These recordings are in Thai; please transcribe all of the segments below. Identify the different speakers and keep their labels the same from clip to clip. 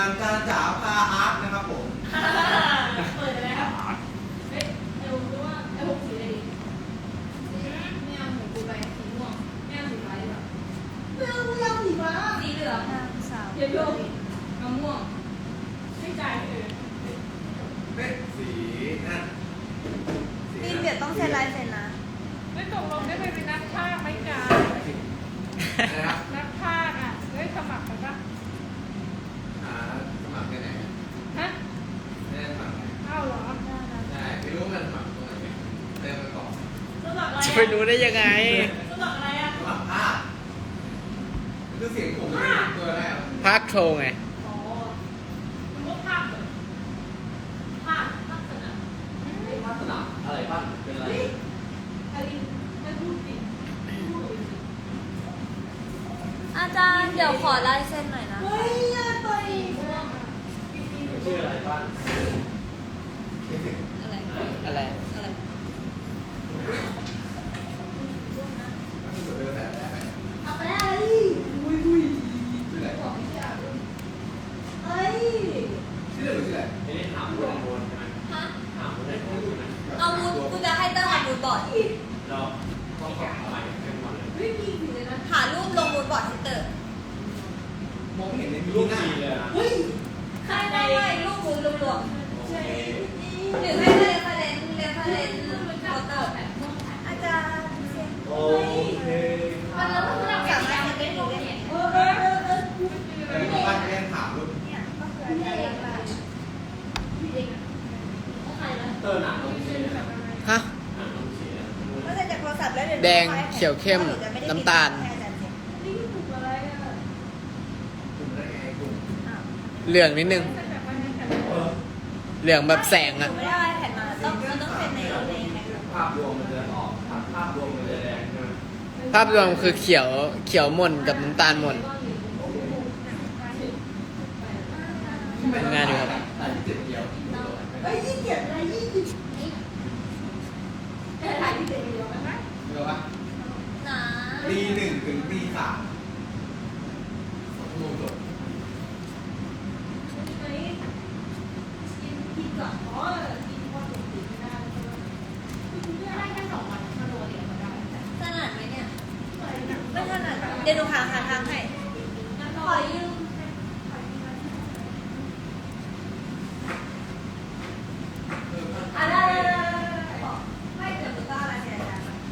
Speaker 1: านการจ๋าพาอาร์ตนะครับผม
Speaker 2: เปิดเลยครับเฮ้ยไอ้ผมรู้ว่าไอ้ผมสีอะไรดีไม่เอาหมูกูไปสีม่วงไม่เอาสีฟ้าดีกว่าไม่เอาสีฟ้าสีเหลืองเดี๋ยวโยกเอาม่วงไม่จ่ายเลย
Speaker 1: เป็นสีนั่น
Speaker 3: นี่เดี๋ยวต้องเซ็นลายเซ็นนะ
Speaker 4: ไม่ตกลงได้ไปเป็นนักพากย์ไหมจ๊ะ
Speaker 1: นะครับ
Speaker 4: นักพากย์อ่ะได้สมัครกันปะ
Speaker 1: สมัครที่ไหน
Speaker 4: ฮะ
Speaker 1: ไม่ได้สมัคร
Speaker 4: เอ้าเหรอ
Speaker 1: ใช่ไม่รู้มันสมัครตรงไหนเริ่มไปก่อน
Speaker 2: สมัครอะไร
Speaker 5: จะไปรู้ได้ยังไง
Speaker 2: สมัครอะไรอ่ะ
Speaker 1: สมัครภาพคือเสียงผมเป็นตัวแรก
Speaker 5: ภาคโชว์ไง
Speaker 2: อ๋อมันก็ภาพเลยภาพสนาม
Speaker 1: ภาพสนามอะไรบ้างเป็นอะไร
Speaker 2: เฮ้ยอลินไม่พูดจริงพูดจริง
Speaker 3: อาจารย์เดี๋ยวขอลายเซ็นหน่อยนะ
Speaker 2: เฮ้ยอย่าต่อยม่วง
Speaker 1: ชื่ออะไรบ้าง
Speaker 3: อะไร
Speaker 5: อะไร
Speaker 3: อะไร
Speaker 2: เอาไปอะไรอุ้ย
Speaker 1: ชื่ออะไร
Speaker 2: บอกไม่ใช่เฮ้ย
Speaker 1: ชื่ออะไรชื่ออะไร
Speaker 6: นี่ถามคุณในโบนใช่ไหม
Speaker 3: ฮะ
Speaker 6: ถามคุณในโบนใช่ไหม
Speaker 3: เอามูดกูจะให้เตอร์หามูดบอร์ด
Speaker 6: เราต้องขออะไรเป็นวันเลย
Speaker 2: ไม่มีอยู่เลยนะ
Speaker 3: หารูปลงมูดบอร์ดให้เตอร์
Speaker 1: มองไม่เห็นใน
Speaker 6: รู
Speaker 1: รู
Speaker 6: ป
Speaker 1: ปหน้า
Speaker 6: ดีเลยนะ
Speaker 2: เฮ้ย
Speaker 3: ใครไม่ไม่รูปมูดรวม
Speaker 6: โอเค
Speaker 3: ๆหรือให้เรฟเฟรนซ์โฟโต้อาจารย์เซ็น
Speaker 6: โอเค
Speaker 2: มันเราต้องทำ
Speaker 3: สามารถเซ็นได้หรือไม่
Speaker 1: บ้านแม่ถามรูป
Speaker 3: เนี่ยก็คืออาจารย์ว่า
Speaker 6: เตอร์หนังลงสีนะ
Speaker 5: ฮะ
Speaker 6: หนังลงสีนะ
Speaker 3: ก็เซ็นจากโทรศัพท์แล้วเดี๋ยว
Speaker 5: แดงเขียวเข้มน้ำตาล
Speaker 2: นี่ถูกอะไรอ่ะ
Speaker 1: กลุ่มได้ไงกลุ่ม
Speaker 5: เหลืองนิดนึง เหลืองแบบแสง
Speaker 3: หนู
Speaker 5: อ่ะ
Speaker 3: ไม่ได้แผ่นมาต้องเซ็นใน
Speaker 6: ภาพรวมมันจะออกภาพรวมมันจะแดงใช่ไหม
Speaker 5: ภาพรวมคือเขียวหม่นกับน้ำตาลหม่นทำงานอยู่ครับ
Speaker 1: แต่ที่เจ็ดเดียว
Speaker 2: เฮ้ยยี่เกียจอะไรยี่เกียจแต่ถ่ายที่เจ็ดเดียวกันนะ
Speaker 1: เดี๋ยววะ
Speaker 3: หนา
Speaker 1: ตีหนึ่งถึงตีสาม2 ชั่วโมงจบ
Speaker 2: ไหนกินก่อนอ๋อกินพอถึงตีไม่ได้ใช่ไหมคุณได้แค่2 วันมาโดนเดียวก็ได้
Speaker 3: ถนัดไหมเนี่ยไม่ถนัดเดี๋ยวหนูหาทางให้
Speaker 2: ขอยืม
Speaker 3: อะไรไม่เดี๋ยวหนูก็อะไรเสียใจ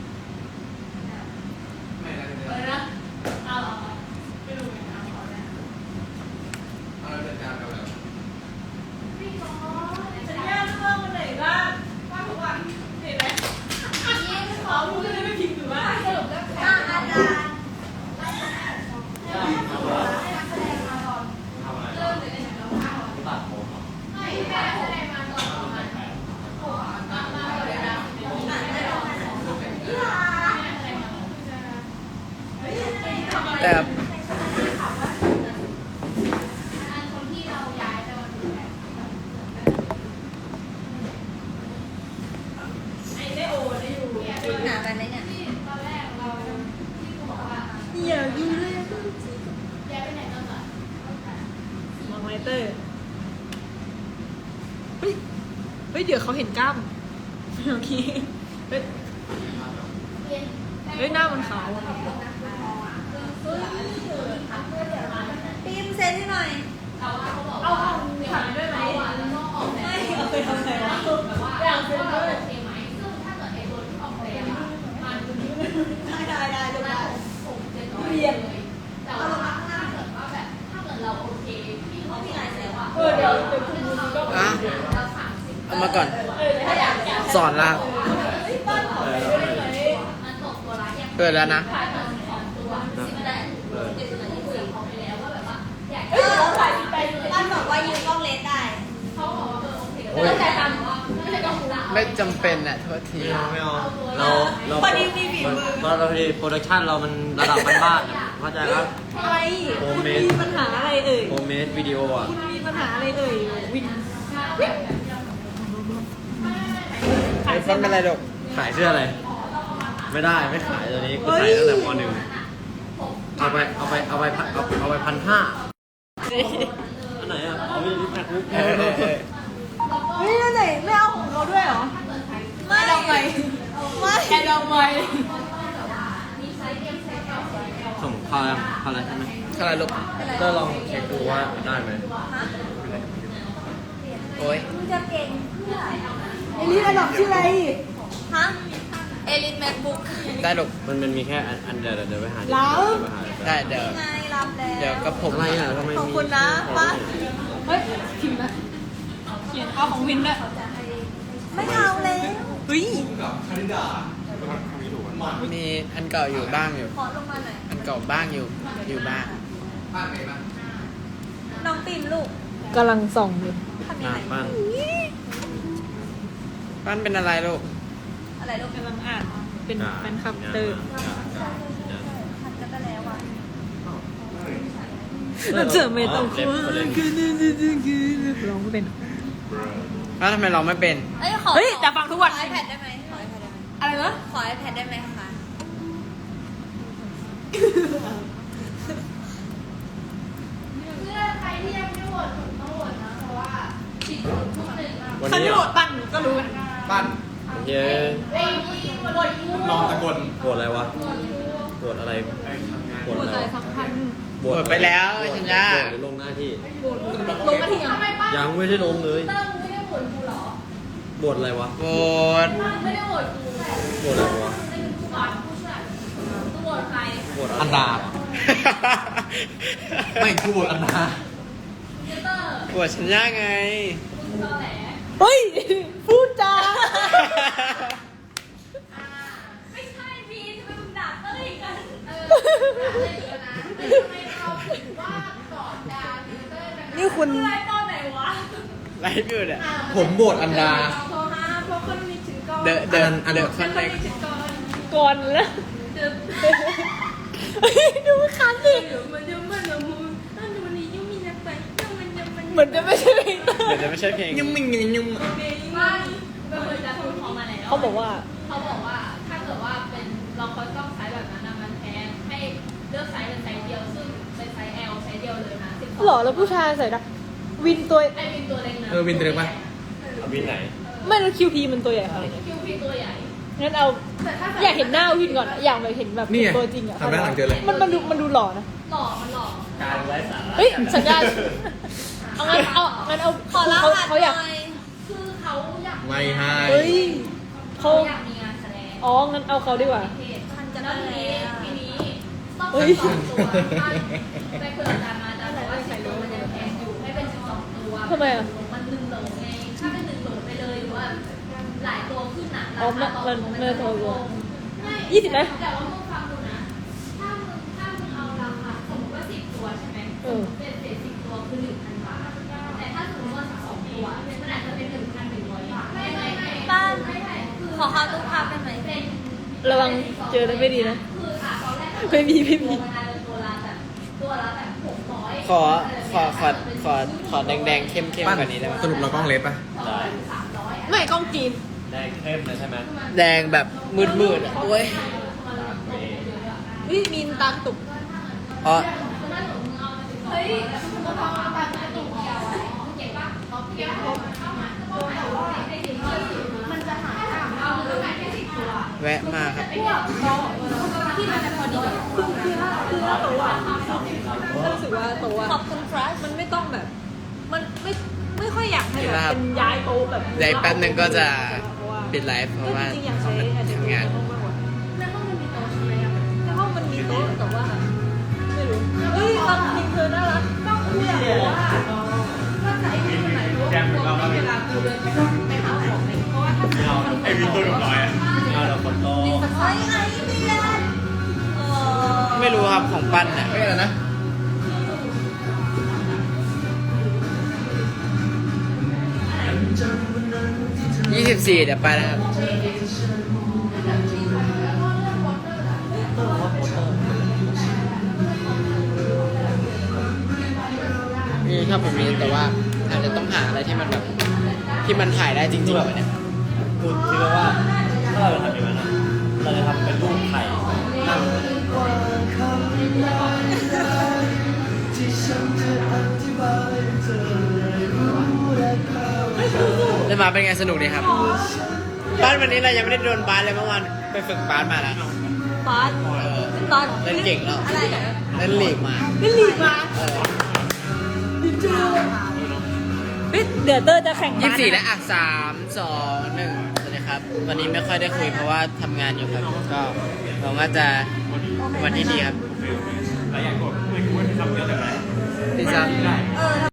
Speaker 1: ไม่ได้
Speaker 2: เปิดนะเอาไม่รู้ไงเอาขอได้
Speaker 1: เอาเราจัดการกันแล้ว
Speaker 2: พี่ขอสัญญาเรื่องวันไหนบ้างว่าทุกวันเห็นไหมขอพูดเลยไม่พิมพ์หรือว่าสรุปแล้ว
Speaker 3: อาจารย์
Speaker 6: ทำอะไร
Speaker 2: เริ่มเลยนะเราพา
Speaker 6: ตัดผมเหรอ
Speaker 2: ไม่แม่แสดงมาก่อนมาเลยนะ
Speaker 5: แต่
Speaker 2: คนที่เราย้ายไปวันนี้ไอ้ได้โอได้อยู่
Speaker 3: หนาไปไหมเนี่ย
Speaker 2: ตอนแรกเราที่กูบอกว่า
Speaker 3: อย่าดูเลย
Speaker 2: ย้ายไปไหนตอนไหน
Speaker 4: มองไวเตอร์เฮ้ยเดี๋ยวเขาเห็นกล้ามโอเคเฮ้ยหน้ามันขาวอะ
Speaker 3: พิมพ์เซ็นให้หน่อย
Speaker 2: แต่ว่าเขาบอกว่าถ่ายด้วยไหมแล้วก็ออกแบบ
Speaker 3: ไม่เอาไปทำอะไรวะ
Speaker 2: แบบว่าอยากซื้อว่าโอเคไหมซึ่งถ้าเกิดไอ้ตัวที่ออกแบบอะมัน
Speaker 3: ได้ดูได้
Speaker 2: เรียนเลยแต่ว่าถ้าเกิดว่าแบบถ้าเกิดเราโอเคพี่เขามีลายเซ็นว่าเดี๋ยวคุณดูก็
Speaker 5: อ่ะ
Speaker 2: เรา30
Speaker 5: เอามาก่อน
Speaker 2: ถ้าอยาก
Speaker 5: สอนละ
Speaker 2: มันตกตัวละอย่าง
Speaker 5: เกิดแล้วนะ
Speaker 2: ขายตัว2ตัว10แต่เดี๋ยวที่คุยกับเขาไปแล้วว่าแบบว่าอยาก
Speaker 3: เออบ้านบอกว่ายืมกล้องเลนได้
Speaker 2: เขาบอกว่าโอเค
Speaker 5: โอ้ย
Speaker 2: แล้วแต่ทำว่าไม่ได้ต้องรู้ละ
Speaker 5: ไม่จำเป็นอ่ะโทษที
Speaker 6: ไม่เอาเราเรา
Speaker 3: พอดีมีฝีมือ
Speaker 6: เราพอดีโปรดักชั่นเรามันระดับบ้านๆอะเข้าใจครับ
Speaker 4: อะไร
Speaker 6: โฮมเมด
Speaker 4: มีปัญหาอะไรเอ่ย
Speaker 6: โฮมเมดวิดีโออ่ะ
Speaker 4: คุณมีปัญหาอะไรเอ่ยวิน
Speaker 5: ไอโฟนเป็นไรดก
Speaker 6: ขายเสื้ออะไร ไม่ได้ไม่ขายตัวนี้กูใส่ตั้งแต่ม .1 เอาไป1,500อันไหนอ่ะ
Speaker 5: เออเออเออ
Speaker 4: เฮ้ยนั่นไหนไม่เอาของเราด้วยเหรอ
Speaker 3: ไม่ดอกไม้ไม่
Speaker 4: แอร์ดอกไม้
Speaker 6: ส่งเข้าแล้วใช่ไหม
Speaker 5: อะไรลูก
Speaker 6: ก็ลองเช็คดูว่าได้ไหม
Speaker 5: โอ้ย
Speaker 3: มึงจะเก่งเพื่อ
Speaker 4: เอลิสอันดับชื่ออะไร
Speaker 3: ฮะเอลิทแมคบุ๊ก
Speaker 5: ได้ลูก
Speaker 6: มันมีแค่อันเดียวเดี๋ยวไปหา
Speaker 4: แล้ว
Speaker 6: ไปหา
Speaker 5: ได้เดี๋ยว
Speaker 3: ไงรับแล้ว
Speaker 5: เดี๋ยวกับผม
Speaker 6: อะไรอ่ะทำไม
Speaker 3: ขอบ
Speaker 6: มี
Speaker 3: คุณนะป้า
Speaker 4: เฮ้ยพิมพ์นะเขียนเอาของวินด้วย
Speaker 3: ไม่เอาแล้ว
Speaker 4: เฮ้ย
Speaker 1: กับคณิดามัน
Speaker 5: มีอันเก่าอยู่บ้างอยู่
Speaker 3: ขอลงมาหน่อย
Speaker 5: อันเก่าบ้างอยู่บ้าง
Speaker 1: บ้านไหนบ้าง
Speaker 3: น้องปิ่มลูก
Speaker 4: กำลังส่องอยู่
Speaker 3: ทำยัง
Speaker 6: นา
Speaker 3: ไง
Speaker 6: นบ้าง
Speaker 5: บ้านเป็นอะไรลูก
Speaker 3: อะไรลูก
Speaker 4: กำลังอ่านเป็นแฟนคลับเตอร์
Speaker 3: ทันกันไปแล้วอ่ะ
Speaker 4: เราเจอเมตองคือร้องไม่เป็น
Speaker 5: แล้วทำไมเราไม่เป็น
Speaker 3: เอ้ยขอ
Speaker 4: เฮ้ยแต่ฟังทุกวัน
Speaker 3: ขอ iPad ได้ไหมขอ iPad ได้ไหม
Speaker 4: อะไรนะ
Speaker 3: ขอ iPad ได้ไหมคะ
Speaker 2: เพื่อใครที่ยังไม่โหวตผมต้องโหวตนะเพราะว่าผิดทุกหนึ่ง
Speaker 6: วัน
Speaker 4: ฉัน
Speaker 6: นี้
Speaker 4: ไม่โหวตปั้นก็รู้
Speaker 1: บ้าน
Speaker 6: เย้
Speaker 2: ไอ้ที่โหวตกู
Speaker 1: นอนตะกล
Speaker 6: ปวดอะไรวะปวดอะไรปวด
Speaker 4: หัว
Speaker 6: อะ
Speaker 4: ใจ
Speaker 6: ไร
Speaker 4: สำคัญ
Speaker 5: ปวดไปแล้วชัญญา
Speaker 6: ปวดหรือลงหน้าที่
Speaker 4: ลงมาทียัง
Speaker 2: ทำไมป้า
Speaker 6: ยังไม่ได้ลงเลย
Speaker 2: เติ้งไม่ได้โหวตกูเหรอ
Speaker 6: ปวดอะไรวะ
Speaker 5: ปวด
Speaker 2: ป้าไม่ได้โหวตกูแต่
Speaker 6: ปวดอะไรวะ
Speaker 2: ไม่เป็นผู้ก่อนผู้ช่วยกูโหวตใคร
Speaker 6: ปวด
Speaker 1: อันดา ไม่กูบทอันดา
Speaker 2: เจเตอร์
Speaker 5: ปวดชัญญาไง
Speaker 2: มึงตอแหล
Speaker 4: เฮ้ย พูดจา
Speaker 2: ไม่ใช่บีทำไมมึงด่าเต้ยกันเลยนะแต่ทำไมเราถึงว่าก่อนด่าบีเต้ยกัน
Speaker 4: นี่คุณ
Speaker 2: ไลฟ์ตอนไหนวะ
Speaker 5: ไลฟ์อยู่เนี่ย
Speaker 1: ผมบทอันดา
Speaker 2: โทรหาเพราะคนมีถึงก่อน
Speaker 5: เดิน
Speaker 1: อัน
Speaker 5: เดิ
Speaker 1: เดิ
Speaker 5: น
Speaker 1: ม
Speaker 5: ค
Speaker 2: คน น
Speaker 5: แรก
Speaker 2: มีถึงก่อน
Speaker 4: ก่อนแล้ว
Speaker 2: เดี๋ยว
Speaker 4: เฮ้ยดูคันดิ
Speaker 2: มันจะมันจะมูนั่นวันนี้ยุ่งมีนักไปยังมันยังมัน
Speaker 4: เหมือนจะไม่ใช่เพลงเตอ
Speaker 5: เดี๋ยว
Speaker 4: ร์
Speaker 5: จะไม่ใช่เพลง
Speaker 1: ยุ่งมิ่งยุ่ง
Speaker 2: ว่าเป็นคนจะพูดเขามาแล้ว
Speaker 4: เขาบอกว่า
Speaker 2: เขาบอกว่าถ้าเกิดว่าเป็นเราคอยต้องใช้แบบนั้นมันแพงให้เลือกไซส์เป็นไซส์เดียวซึ่งเป็นไซส์ L ไซส์เดียวเลยนะ12
Speaker 4: หล่อแล้วผู้ชายใส่ได้วินตัว
Speaker 2: ไอวินตัวเล็กนะ
Speaker 1: วินเตอร์ป่ะ
Speaker 6: เอาวินไหน
Speaker 4: ไม่แล้วคิวพีมันตัวใหญ่ขนาดไหน
Speaker 2: คิวพีตัวใหญ่
Speaker 4: งั้นเอา
Speaker 2: แต่ถ้า
Speaker 4: อยากเห็นหน้าวินก่อนอะอยากไปเห็นแบบ
Speaker 1: นี่ไง
Speaker 4: ตัวจริงอะ
Speaker 1: ทำได้หลังเจอเลย
Speaker 4: มันดูหล่อนะ
Speaker 2: หล่อมันหล่อ
Speaker 6: การไร้สาระ
Speaker 4: เฮ้ยสัญญาเอางั้นเอา
Speaker 3: ขอรหัส
Speaker 4: เขา
Speaker 3: ห
Speaker 4: อยาก
Speaker 3: น่อย
Speaker 2: คือเขาอยาก
Speaker 1: ไม่ให้
Speaker 4: เฮ้ยเขา
Speaker 2: อยากมีงานแสดง
Speaker 4: อ๋องั้นเอาเขาดีกว่า
Speaker 2: ทันจะได้ทีนี้ต้อง
Speaker 4: เฮ้ย
Speaker 2: 12 ตัวไปคุยกับอาจารย์มาอาจารย์บอกว่า10 ตัวมันยังแพงอยู่ให้เป็น12 ตัว
Speaker 4: ทำไมอะ
Speaker 2: มัน1 โหลไงถ้าเป็น1 โหลไปเลยหรือว่าหลายตัวขึ้นหนัก
Speaker 4: อ๋อ
Speaker 2: ราคาต่อ
Speaker 4: มัน
Speaker 2: ตัว
Speaker 4: มัน
Speaker 2: จะ
Speaker 4: ตัว
Speaker 2: ลง
Speaker 4: 20ไหม
Speaker 2: แต่ว่ามึงฟังดูนะ ถ้ามึงเอาราคาสมมติว่า10 ตัวใช่ไหม
Speaker 4: เออ
Speaker 2: เป็นเศษ10 ตัวคือ 1,000 บาท แต่ถ้าสมมติว่า12 ตัวมันอาจจะเป็น 1,100 บาทไม่
Speaker 3: บ้าน
Speaker 2: ไม่คือ
Speaker 3: ขอเข้าตู้ภาพได้ไหม
Speaker 2: เป็น
Speaker 4: ระวังเจอแล้วไม่ดีนะ
Speaker 2: คือตอนแรก
Speaker 4: ไม่มี
Speaker 2: ตัวละแบบ600
Speaker 5: ขอแดงๆเข้มๆ
Speaker 1: ปั้น
Speaker 5: กว่านี้ได้ไหม
Speaker 1: สรุปเรากล้องเล็บป่ะ
Speaker 6: ได้
Speaker 2: 300
Speaker 4: ไม่กล้องจีน
Speaker 6: แดงเข้มเลยใช่ไหม
Speaker 5: แดงแบบมืดๆอะโอ้ย
Speaker 4: วิมีนตากระตุก
Speaker 5: อ๋อ
Speaker 2: เฮ้ยมึงเอาตามกระตุกเดียวเก็บป่ะเก็บมันจะหาเอาหรือแค่10 ตัว
Speaker 5: แวะมาครับ
Speaker 2: ที่มันจะพอดี
Speaker 4: คือถ้าโตอ่ะรู้สึกว่าโตอ่ะ
Speaker 3: ขอบคุณครับ
Speaker 4: มันไม่ต้องแบบ มันไม่ค่อยอยากให้แบบเป็นย้ายโตะแบบ
Speaker 5: เดี๋ยวอีกแป๊บนึงก็จะปิดไลฟ์เพราะว่า
Speaker 4: จริงๆอยากใช้
Speaker 5: ต้อง
Speaker 4: อันนี้
Speaker 5: ทำงาน
Speaker 4: ในห้องมากกว่า
Speaker 2: ในห้องมันมีโต๊ะใช่ไหมอ่ะ
Speaker 4: ในห้องมันมีโต๊ะแต่ว่าไม่รู้เฮ้ยลำพิงเธอน่ารัก
Speaker 2: ก็คืออยากรู้ว่าจะไอ้วินคนไหนรู้ว่าเวลากูเดินไปหาของไหมเพราะว่าถ้าสมมติ
Speaker 6: ไอ้วินตัวหน่อยเอาเราคนโต
Speaker 3: เฮ้ยไอ้เมียน
Speaker 5: ไม่รู้ครับของปั้นอ่ะ
Speaker 1: ไม่อะไรนะ
Speaker 5: 24เดี๋ยวไปนะครับ ชอบแบบนี้แต่ว่าอาจจะต้องหาอะไรที่มันแบบที่มันถ่ายได้จริงๆแบบเนี้ย
Speaker 6: คุณคิดว่าถ้าเราจะทำอย่างนั้นอะเราจะทำเป็นรูปไข่นั่ง
Speaker 7: ที่ฉันจะอธิบายเธอได้รู้
Speaker 5: มาเป็นไงสนุกดีครับบ้านวันนี้เรายังไม่ได้โดนบาสเลยเมื่อวานไปฝึกบาสมาแล้ว
Speaker 4: บาสตอน
Speaker 5: เล่นเก่งแล้ว
Speaker 3: อะไรอ่ะ
Speaker 5: เล่นลีกมา
Speaker 4: เล่นลีกมา
Speaker 5: เออ
Speaker 4: เฮ้ยเดี๋ยวเตอร์จะแข่งบาส
Speaker 5: 24และ3 2 1สวัสดีครับ วันนี้ไม่ค่อยได้คุยเพราะว่าทำงานอยู่ครับ ก็หวังว่าจะเป็นวันที่ดีครับ
Speaker 6: หลายอย่างก็ไม่รู้ว่าทำเยอะแต่ไหน
Speaker 5: ดีจัง
Speaker 3: เออ